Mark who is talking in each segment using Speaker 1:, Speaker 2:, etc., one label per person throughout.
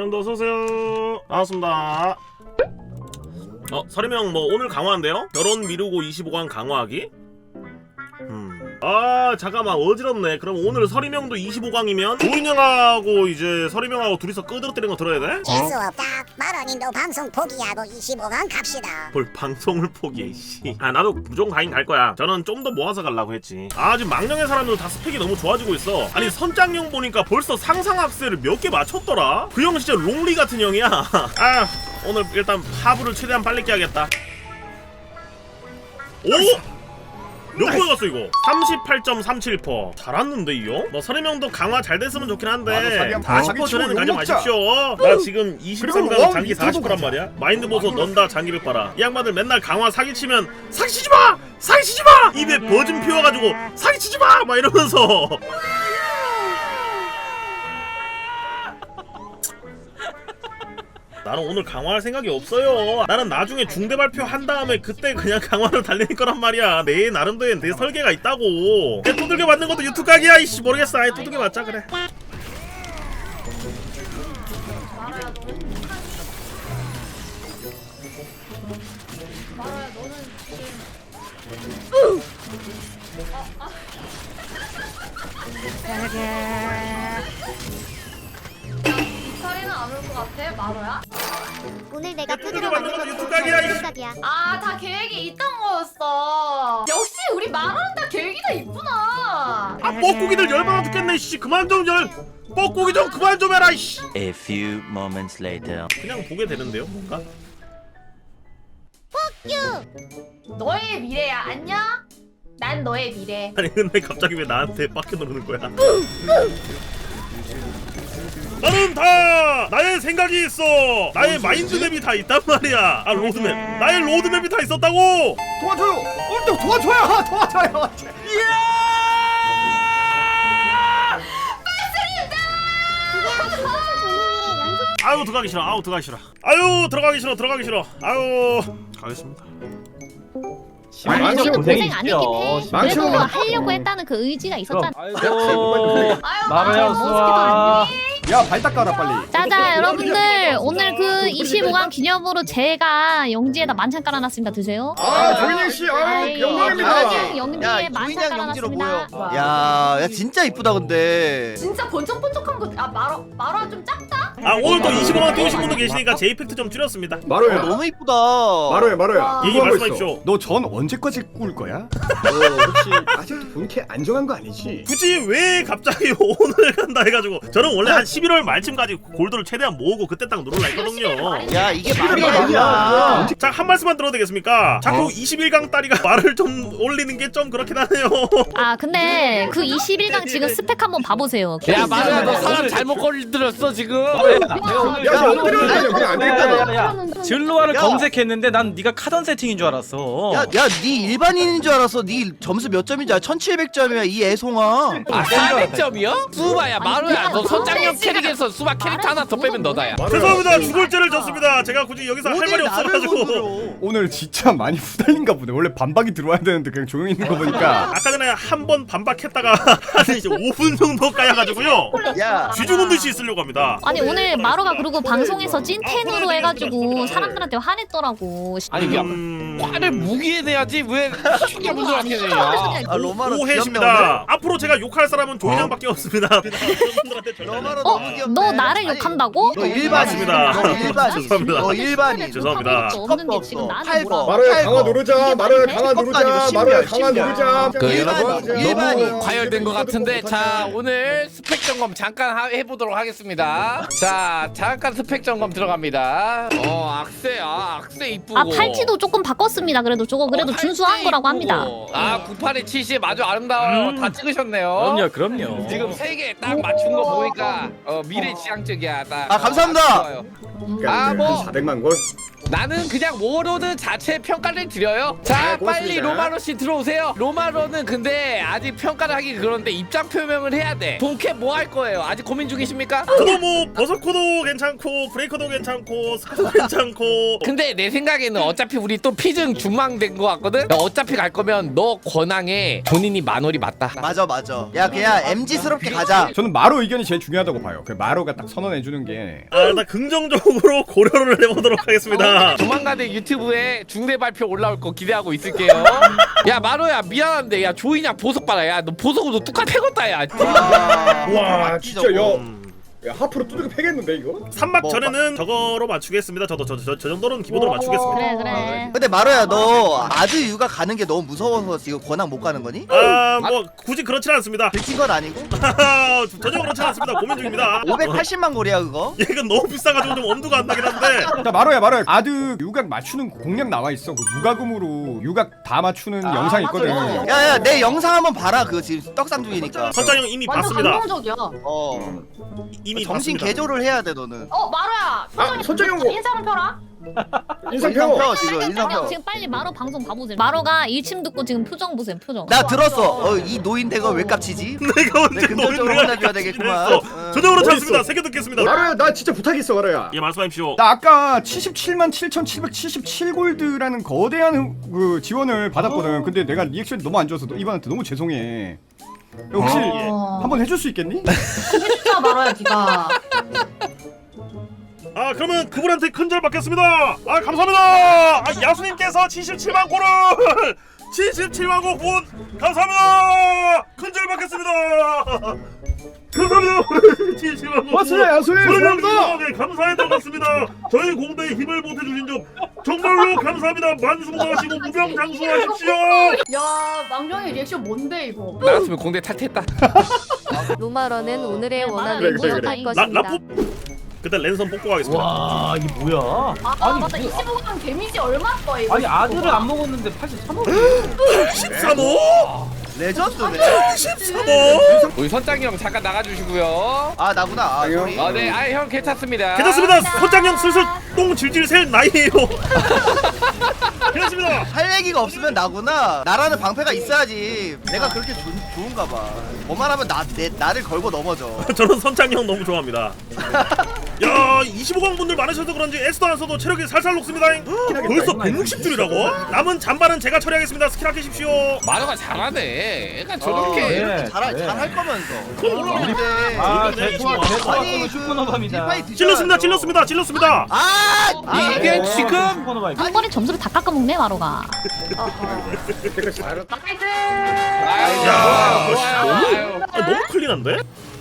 Speaker 1: 서리명도 어서오세요. 반갑습니다. 서리명 뭐 오늘 강화한대요? 결혼 미루고 25강 강화하기? 아 잠깐만 어지럽네. 그럼 오늘 서리명도 25강이면 조인영하고 이제 서리명하고 둘이서 끄드러뜨리는 거 들어야 돼?
Speaker 2: 재수 없다. 마로님도 방송 포기하고 25강 갑시다.
Speaker 1: 뭘 방송을 포기해 씨. 아 나도 무조건 가긴 갈 거야. 저는 좀 더 모아서 가려고 했지. 아 지금 망령의 사람들 다 스펙이 너무 좋아지고 있어. 아니 선장형 보니까 벌써 상상 악셀을 몇 개 맞췄더라. 그 형 진짜 롱리 같은 형이야. 아 오늘 일단 하부를 최대한 빨리 깨야겠다. 오! 몇 포에 갔어 이거? 38.37%. 잘 왔는데 이 형? 뭐 서리명도 강화 잘 됐으면 좋긴 한데 40% 전에는 가지 마십시오. 나 지금 23강 장기 40%란 말이야. 마인드 보소 넌다 장기를 빨아. 이 양반들 맨날 강화 사기치면 사기치지마! 사기치지마! 입에 버즘 피워가지고 사기치지마! 막 이러면서 나는 오늘 강화할 생각이 없어요. 나는 나중에 중대 발표 한 다음에 그때 그냥 강화를 달릴 거란 말이야. 내 나름대로 내 설계가 있다고. 내 두들겨 맞는 것도 유튜브 각이야. 이씨 모르겠어. 아예 두들겨 맞자 그래.
Speaker 3: 마라야 너는 지금 빅살이는 안 올 것 같아? 마로야?
Speaker 2: 오늘 내가
Speaker 1: 두들겨 맞는 것도 유튜브 각이야.
Speaker 3: 아, 다 계획이 있던 거였어. 역시 우리 마로는 다 계획이 다 있구나.
Speaker 1: 아 뻐꾸기들 열받아 죽겠네. 씨 그만 좀 뻐꾸기 좀 그만 좀 해라. 씨.
Speaker 4: A few moments later.
Speaker 1: 그냥 보게 되는데요 뭔가?
Speaker 3: 너의 미래야. 안녕? 난 너의 미래.
Speaker 1: 아니 근데 갑자기 왜 나한테 빡겨 누르는 거야? 나는 다 나의 생각이 있어. 나의 마인드맵이 다 있단 말이야. 아 로드맵. 나의 로드맵이 다 있었다고.
Speaker 5: 도와줘요. 또 도와줘요. 도와줘요.
Speaker 1: 아유 들어가기 싫어. 아우 들어가기 싫어. 아유 들어가기 싫어. 들어가기 싫어. 아유 가겠습니다.
Speaker 6: 망치고 고생 아니긴 해.
Speaker 5: 망치고
Speaker 6: 그래도
Speaker 5: 막-
Speaker 6: 하려고 했다는 그 의지가 있었잖아.
Speaker 3: 아유,
Speaker 6: 마로야,
Speaker 3: 수아.
Speaker 5: 야, 발 닦아라 빨리.
Speaker 6: 자자 여러분들 오늘 그 25강 기념으로 제가 영지에다 만찬 깔아놨습니다. 드세요.
Speaker 5: 조인영 씨, 영광입니다.
Speaker 6: 영지에 만찬 깔아놨습니다.
Speaker 7: 야 진짜 이쁘다 근데.
Speaker 3: 진짜 번쩍번쩍한 거. 아 마로야 좀 작다?
Speaker 1: 아 오늘 또 25만 띄우신 분도 계시니까 제 이펙트 좀 줄였습니다.
Speaker 5: 마로야,
Speaker 7: 너무 이쁘다.
Speaker 5: 마로야.
Speaker 1: 얘기 말씀하십시오.
Speaker 5: 너 전 언제까지 꿀 거야? 너 혹시 아직도 본캐 안 정한 거 아니지?
Speaker 1: 굳이 왜 갑자기 오늘 간다 해가지고 저는 원래 한 11월 말쯤까지 골드를 최대한 모으고 그때 딱 누르려 했거든요.
Speaker 7: 야 이게 말이
Speaker 5: 말이야.
Speaker 7: 아니야.
Speaker 1: 자 한 말씀만 들어도 되겠습니까? 자꾸 21강 딸이가 말을 좀 올리는 게 좀 그렇긴 하네요.
Speaker 6: 아 근데 그 21강 지금 스펙 한번 봐보세요.
Speaker 8: 야 마루야 너 사람 잘못 걸들었어 지금.
Speaker 5: 야, 엎드려 그냥 안 되겠다.
Speaker 8: 진로아를
Speaker 7: 야.
Speaker 8: 검색했는데 난 네가 카던 세팅인 줄 알았어.
Speaker 7: 야네 일반인인 줄 알았어. 네 점수 몇 점인지 알아? 1700점이야 이 애송아.
Speaker 8: 아 400점이요? 수바야 마루야 너 선장형 캐릭에서 수바 캐릭터 하나 더 빼면 너다야.
Speaker 1: 죄송합니다. 죽을 죄를 졌습니다. 제가 굳이 여기서 할 말이 없어가지고.
Speaker 5: 오늘 진짜 많이 후달린가 보네. 원래 반박이 들어와야 되는데 그냥 조용히 있는 거 보니까.
Speaker 1: 아까 전에 한 번 반박했다가 한 이제 5분 정도 까여가지고요.
Speaker 7: 야
Speaker 1: 쥐죽은 듯이 있으려고 합니다.
Speaker 6: 아니 오늘 마로가 그리고 방송에서 찐텐으로 해가지고 사람들한테 화냈더라고.
Speaker 8: 아니 화를 무기에 내야지 왜 쉽게 분들한테 내냐.
Speaker 7: 아, 로마로
Speaker 1: 오해십니다. 앞으로 제가 욕할 사람은 조인영밖에 없습니다.
Speaker 7: 로마로 너무 귀엽네.
Speaker 6: 너 나를
Speaker 7: 아니,
Speaker 6: 욕한다고?
Speaker 7: 너 일반인.
Speaker 1: 맞습니다.
Speaker 7: 너 일반인.
Speaker 1: 죄송합니다.
Speaker 7: 너 일반인.
Speaker 1: 죄송합니다.
Speaker 6: 없는데 지금 나는
Speaker 7: 8번.
Speaker 6: 뭐라고?
Speaker 5: 마로야 강화 누르자.
Speaker 6: 이게
Speaker 5: 마로야
Speaker 6: 말이
Speaker 5: 강화
Speaker 6: 돼?
Speaker 5: 누르자.
Speaker 7: 아니고
Speaker 5: 마로야 강화
Speaker 7: 신기하다.
Speaker 5: 누르자.
Speaker 8: 그
Speaker 7: 일반인,
Speaker 8: 여러분
Speaker 7: 일반인.
Speaker 8: 너무 과열된 것 같은데 자 오늘 스펙 점검 잠깐 해보도록 하겠습니다. 자 잠깐 스펙 점검 들어갑니다. 악세 이쁘고.
Speaker 6: 아 팔찌도 조금 바꿨습니다. 그래도 저거 그래도 준수한 거라고 합니다.
Speaker 8: 아 98에 70 아주 아름다워요. 다 찍으셨네요.
Speaker 9: 그럼요.
Speaker 8: 지금 3개 딱 맞춘 거 보니까 미래 지향적이야. 딱.
Speaker 7: 아, 감사합니다.
Speaker 8: 좋아요.
Speaker 5: 한
Speaker 8: 뭐.
Speaker 5: 400만 골.
Speaker 8: 나는 그냥 워로드 자체 평가를 드려요. 자,
Speaker 5: 네, 고맙습니다.
Speaker 8: 빨리 로마로 씨 들어오세요. 로마로는 근데 아직 평가를 하기 그런데 입장 표명을 해야 돼. 본캐 뭐 할 거예요? 아직 고민 중이십니까?
Speaker 1: 저도 뭐 버섯코도 괜찮고 브레이커도 괜찮고 스카도 괜찮고.
Speaker 8: 근데 내 생각에는 어차피 우리 또 피증 준망된 거 같거든? 너 어차피 갈 거면 너 권항에 본인이 만월이 맞다.
Speaker 7: 맞아 맞아. 야 그냥 MG스럽게 가자.
Speaker 5: 저는 마로 의견이 제일 중요하다고 봐요. 그 마로가 딱 선언해주는 게.
Speaker 1: 나 긍정적으로 고려를 해보도록 하겠습니다.
Speaker 8: 조만간에 유튜브에 중대 발표 올라올 거 기대하고 있을게요. 야 마로야 미안한데 야 조이냐 보석 봐라. 야 너 보석으로 뚝딱 패겄다 야.
Speaker 5: 와 진짜 야 하프로 두들겨 패겠는데 이거?
Speaker 1: 3막
Speaker 7: 뭐,
Speaker 1: 전에는 저거로 맞추겠습니다. 저도 저 정도는 기본으로 맞추겠습니다.
Speaker 6: 그래 그래.
Speaker 7: 근데 마로야 너 아드 유가 가는 게 너무 무서워서 지금 권항 못 가는 거니?
Speaker 1: 뭐 굳이 그렇진 않습니다.
Speaker 7: 들킨 건 아니고?
Speaker 1: 전혀 그렇진 않습니다. 고민 중입니다.
Speaker 7: 580만 골이야 그거?
Speaker 1: 이건 너무 비싸가지고 좀 엄두가 안 나긴 한데.
Speaker 5: 자 마로야 아드 유각 맞추는 공략 나와 있어. 그 무과금으로 유각 다 맞추는 영상 있거든.
Speaker 3: 맞아요.
Speaker 7: 야야 내 영상 한번 봐라. 그거 지금 떡상 중이니까.
Speaker 1: 선장 형 이미
Speaker 3: 완전
Speaker 1: 봤습니다.
Speaker 3: 감동적이야.
Speaker 1: 이미
Speaker 7: 정신
Speaker 1: 봤습니다.
Speaker 7: 개조를 해야 돼 너는.
Speaker 3: 마루야.
Speaker 5: 선장이 형 뭐-
Speaker 3: 인사는 펴라.
Speaker 5: 인상
Speaker 7: 인상
Speaker 5: 펴.
Speaker 7: 펴 지금 인상 펴.
Speaker 6: 지금 빨리 마로 방송 봐보세요. 마로가 일침 듣고 지금 표정 보세요. 표정.
Speaker 7: 나 들었어. 이 노인 대거 왜 깝치지?
Speaker 1: 내가 언제
Speaker 7: 내 금전적으로
Speaker 1: 노인을
Speaker 7: 혼내줘야 되겠구만.
Speaker 1: 했어. 전혀 그렇지
Speaker 5: 어딨어?
Speaker 1: 않습니다. 새겨 듣겠습니다.
Speaker 5: 마로야 나 진짜 부탁 있어 마로야.
Speaker 1: 예, 말씀하십시오.
Speaker 5: 나 아까 77만 7,777골드라는 거대한 그 지원을 받았거든. 근데 내가 리액션이 너무 안 좋아서 이번한테 너무 죄송해. 혹시 한번 해줄 수 있겠니?
Speaker 3: 진짜 마루야 니가.
Speaker 1: 그러면 그분한테 큰절 받겠습니다. 감사합니다. 야수님께서 77만 골을 77만 골 후원 감사합니다. 큰절 받겠습니다. 감사합니다. 77만 골.
Speaker 5: 맞습니다, 야수님.
Speaker 1: 감사합니다. 감사해 들어갔습니다. 저희 공대에 힘을 보태주신 점 정말로 감사합니다. 만수무강하시고 무병장수하십시오.
Speaker 3: 야 망령의 리액션 뭔데 이거?
Speaker 8: 나였으면 공대 탈퇴했다.
Speaker 9: 로마러는 오늘의 원한을
Speaker 5: 그래, 그래,
Speaker 9: 모색할
Speaker 5: 그래.
Speaker 9: 것입니다.
Speaker 1: 라포 그때 랜선 뽑고 가겠습니다.
Speaker 10: 와 이게 뭐야?
Speaker 3: 맞다 25강 데미지 얼마 떠 이거?
Speaker 10: 아니 아들을 안 먹었는데 83억.
Speaker 1: 13호?
Speaker 7: 레전드네.
Speaker 1: 13호?
Speaker 8: 우리 선장이 형 잠깐 나가주시고요.
Speaker 7: 아 나구나. 아 소리.
Speaker 8: 네, 형 괜찮습니다.
Speaker 1: 괜찮습니다. 선장형 슬슬 똥 질질 셀 나이에요. 괜찮습니다.
Speaker 7: 할 얘기가 없으면 나구나. 나라는 방패가 있어야지. 내가 그렇게 좋은가 봐. 뭐만 하면 나를 걸고 넘어져.
Speaker 1: 저는 선장형 너무 좋아합니다. 야 25강 분들 많으셔서 그런지 에스도 안 써도 체력이 살살 녹습니다. 벌써 160줄이라고? 남은 잔발은 제가 처리하겠습니다. 스킬 아끼십시오.
Speaker 8: 마루가 잘하네. 약간 저렇게
Speaker 7: 잘할 거면서. 근데
Speaker 10: 제
Speaker 7: 아니,
Speaker 10: 슈퍼노바입니다.
Speaker 1: 찔렀습니다.
Speaker 8: 이게 지금
Speaker 6: 한 번에 점수를 다 깎아먹네 마로가.
Speaker 3: 나이스.
Speaker 1: 야,
Speaker 8: 좋아요.
Speaker 1: 너무 클린한데?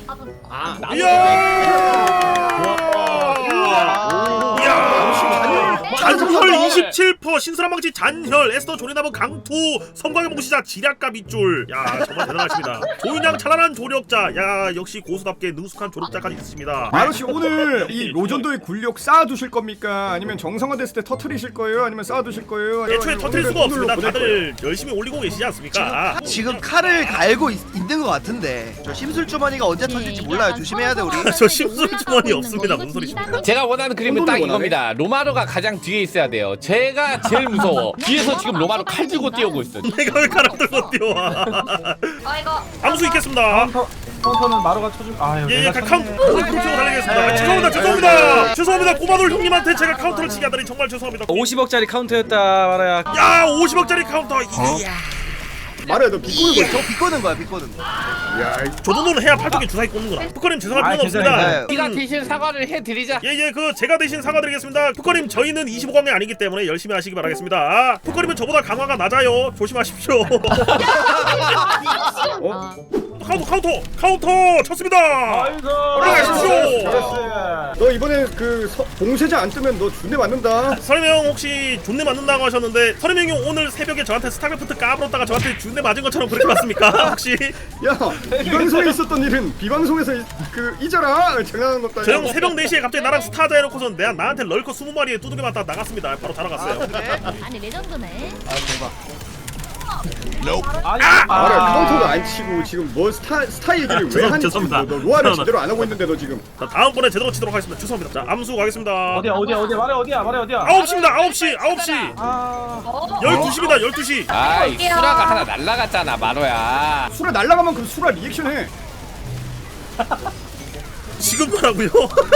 Speaker 1: 잔혈 27% 신선한방지 잔혈 에스더 조리나무 강투 성광의 몽시자 지략가 밑줄. 야 정말 대단하십니다. 조인양 찬란한 조력자. 야 역시 고수답게 능숙한 조력자까지 있으십니다.
Speaker 5: 마로씨 오늘 이 로전도의 굴력 쌓아두실 겁니까? 아니면 정상화됐을 때 터트리실 거예요? 아니면 쌓아두실 거예요?
Speaker 1: 애초에 터뜨릴 수가 없습니다. 다들 열심히 올리고 계시지 않습니까?
Speaker 7: 지금 칼을 갈고 있는 것 같은데. 저 심술 주머니가 언제 터질지 몰라요. 조심해야 돼 우리.
Speaker 1: 저 심술 주머니 없습니다. 무슨 소리십니까?
Speaker 8: 제가 원하는 그림은 딱 이겁니다. 로마로가 가장 뒤에 있어야 돼요. 제가 제일 무서워. 뒤에서 지금 로마로 칼 들고 뛰어오고 있어.
Speaker 1: 내가 왜 가락 들고 뛰어와?
Speaker 3: 아이고.
Speaker 1: 암수 있겠습니다.
Speaker 10: 카운터는 마루가 쳐줄. 아유.
Speaker 1: 예,
Speaker 10: 내가
Speaker 1: 카운터 치고 달리겠습니다.
Speaker 10: 네.
Speaker 1: 죄송합니다. 꼬마돌 형님한테 제가 카운터를 치게 하다니 정말 죄송합니다.
Speaker 10: 50억짜리 카운터였다 말아야.
Speaker 1: 야, 50억짜리 카운터. 이야.
Speaker 5: 마로야 너 비꼬는 거.
Speaker 7: 저 비꼬는 거야 비꼬는 거.
Speaker 1: 저 정도는 해야 팔뚝에 주사위 꽂는 거라. 푸커님 죄송할 필요는
Speaker 10: 괜찮아요.
Speaker 1: 없습니다.
Speaker 8: 네가 대신 사과를 해드리자.
Speaker 1: 예, 제가 대신 사과드리겠습니다. 푸커님 저희는 25강이 아니기 때문에 열심히 하시기 바라겠습니다. 푸커님은 저보다 강화가 낮아요. 조심하십시오. 카운터 쳤습니다. 올라가십시오.
Speaker 5: 너 이번에 그 봉쇄자 안 뜨면 너 준대 맞는다.
Speaker 1: 서림형 혹시 존내 맞는다고 하셨는데 서림형이 오늘 새벽에 저한테 스타크래프트 까불었다가 저한테 존내 맞은 것처럼 그렇게 맞습니까? 혹시?
Speaker 5: 야 비방송에 있었던 일은 비방송에서 잊어라. 장난하는 것도
Speaker 1: 저 형
Speaker 5: 아니고.
Speaker 1: 새벽 4시에 갑자기 나랑 스타자 해놓고선 나한테 럴커 20마리에 두들겨 맞다 나갔습니다. 바로 자러 갔어요.
Speaker 6: 그래? 아니 레전드네.
Speaker 7: 아 대박.
Speaker 5: 마루야 카운터도 안 치고 지금 뭐 스타 얘기를 왜 하니?
Speaker 1: 죄송합니다.
Speaker 5: 너 로아를 제대로 안 하고 있는데 너 지금.
Speaker 1: 자 다음번에 제대로 치도록 하겠습니다. 죄송합니다. 자 암수 가겠습니다.
Speaker 10: 어디야 말해 어디야
Speaker 1: 9시입니다. 9시.
Speaker 10: 아
Speaker 1: 12시입니다. 12시.
Speaker 8: 아이 수라가 하나 날라갔잖아 마로야.
Speaker 5: 수라 날라가면 그럼 수라 리액션 해.
Speaker 1: 지금 뭐라고요?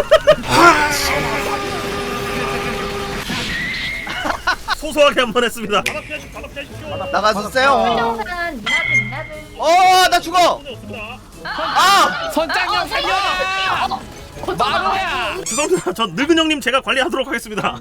Speaker 1: 소소하게 한 번 했습니다.
Speaker 7: 나가주세요.
Speaker 3: 훌륭한 미나들.
Speaker 7: 나 죽어. 아
Speaker 8: 선장형 살려. 마로야.
Speaker 1: 죄송합니다. 저 늙은 형님 제가 관리하도록 하겠습니다.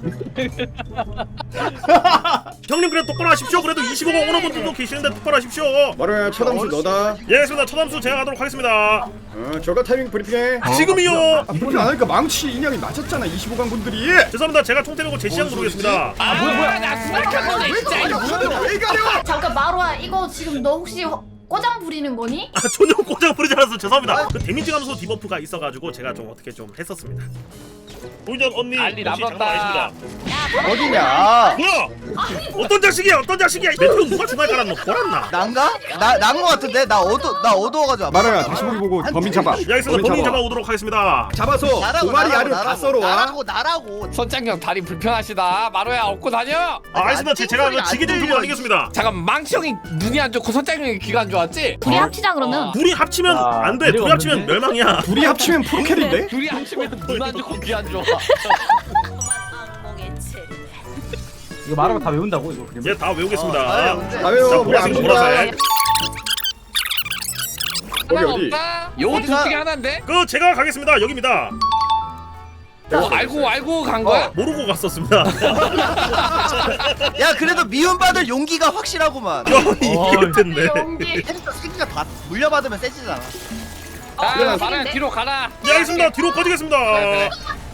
Speaker 1: 형님 그래 똑바로 하십시오. 그래도 25강 오는 분들도 계시는데 똑바로 하십시오.
Speaker 5: 마루야 첫 암수 너다.
Speaker 1: 예, 알겠습니다. 첫 암수 제가 하도록 하겠습니다.
Speaker 5: 저가 타이밍 브리핑해.
Speaker 1: 지금이요.
Speaker 5: 브리핑 안 하니까 망치 인양이 맞았잖아 25강 분들이.
Speaker 1: 죄송합니다. 제가 총 때리고 제 시간 부르겠습니다.
Speaker 8: 뭐야 나 수락한 거네 진짜.
Speaker 5: 왜 가려?
Speaker 3: 잠깐 마루야 이거 지금 너 혹시 꼬장 부리는 거니?
Speaker 1: 아 전혀 고장 부르지 않아서 죄송합니다. 그 데미지 감소 디버프가 있어가지고 제가 좀 어떻게 좀 했었습니다. 도전 언니
Speaker 8: 난리
Speaker 1: 혹시
Speaker 8: 나봤다.
Speaker 1: 장난 아니십니다.
Speaker 7: 어디냐?
Speaker 1: 뭐야? 어떤 자식이야? 어떤 자식이야? 메트로 누가 중간에 깔았노? 보랐나?
Speaker 7: 난가? 난거 같은데? 나 어두워가지고.
Speaker 5: 마루야 다시 보기 보고 범인 잡아.
Speaker 1: 예, 알겠습니다. 범인 잡아오도록 하겠습니다.
Speaker 5: 잡아서 도마리 알을 다 썰어와.
Speaker 7: 나라고.
Speaker 8: 선장형 다리 불편하시다. 마로야 업고 다녀.
Speaker 1: 알겠습니다. 제가 그 지게 좀 들고 다니겠습니다.
Speaker 8: 잠깐 망치 형이 눈이 안 좋고 선장형이 귀가 안 좋았지?
Speaker 6: 둘이 합치자 그러면.
Speaker 1: 둘이 합치면
Speaker 10: 아,
Speaker 1: 안 돼.
Speaker 10: 미래가
Speaker 1: 둘이 합치면
Speaker 10: 없는데?
Speaker 1: 멸망이야.
Speaker 5: 둘이 합치면 프로캐리인데?
Speaker 8: 둘이 합치면 눈 안 좋고 귀 안 좋아.
Speaker 10: 이거 말하고 다 외운다고 이거 그림.
Speaker 1: 예, 다 외우겠습니다.
Speaker 5: 아유
Speaker 1: 자,
Speaker 5: 우리 안
Speaker 1: 보라색,
Speaker 5: 보라.
Speaker 1: 보라색.
Speaker 8: 하나
Speaker 5: 어디?
Speaker 8: 없다. 요거 둘 중에 하나인데?
Speaker 1: 그 제가 가겠습니다. 여기입니다.
Speaker 8: 알고 간 거야?
Speaker 1: 모르고 갔었습니다.
Speaker 7: 야 그래도 미움받을 용기가 확실하구만.
Speaker 1: 이길 텐데.
Speaker 3: 연기.
Speaker 7: 새끼가 다 물려받으면 세지잖아.
Speaker 8: 야 마로야 뒤로 가라.
Speaker 1: 예, 알겠습니다. 뒤로 꺼지겠습니다.
Speaker 8: 그래.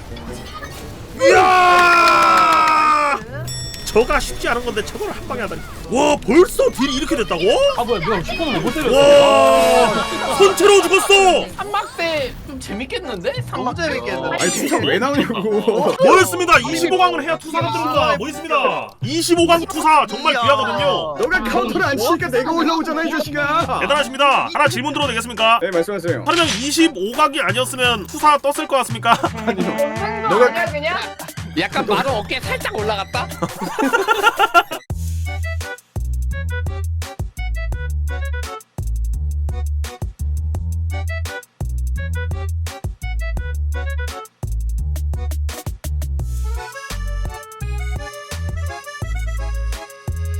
Speaker 1: 이야! 저가 쉽지 않은 건데 저걸 한 방에 하다니. 와, 벌써 딜이 이렇게 됐다고?
Speaker 10: 아 뭐야 누가 슈퍼는 못 때렸어.
Speaker 1: 와, 손채로 죽었어.
Speaker 8: 삼막대 좀 재밌겠는데?
Speaker 7: 너무 재밌겠는데.
Speaker 5: 아니 진짜 왜 나오냐고.
Speaker 1: 뭐였습니다. 25강을 해야 투사가 들어옵니다. 뭐 있습니다. 25강 투사 정말 귀하거든요.
Speaker 5: 너가 카운터를 안 치니까 내가 올라오잖아 이 자식아.
Speaker 1: 대단하십니다. 하나 질문 들어도 되겠습니까?
Speaker 5: 네 말씀하세요.
Speaker 1: 하루면 25각이 아니었으면 투사 떴을 것 같습니까?
Speaker 5: 너가
Speaker 3: 아니야 그냥?
Speaker 8: 약간 마로 어깨 살짝 올라갔다?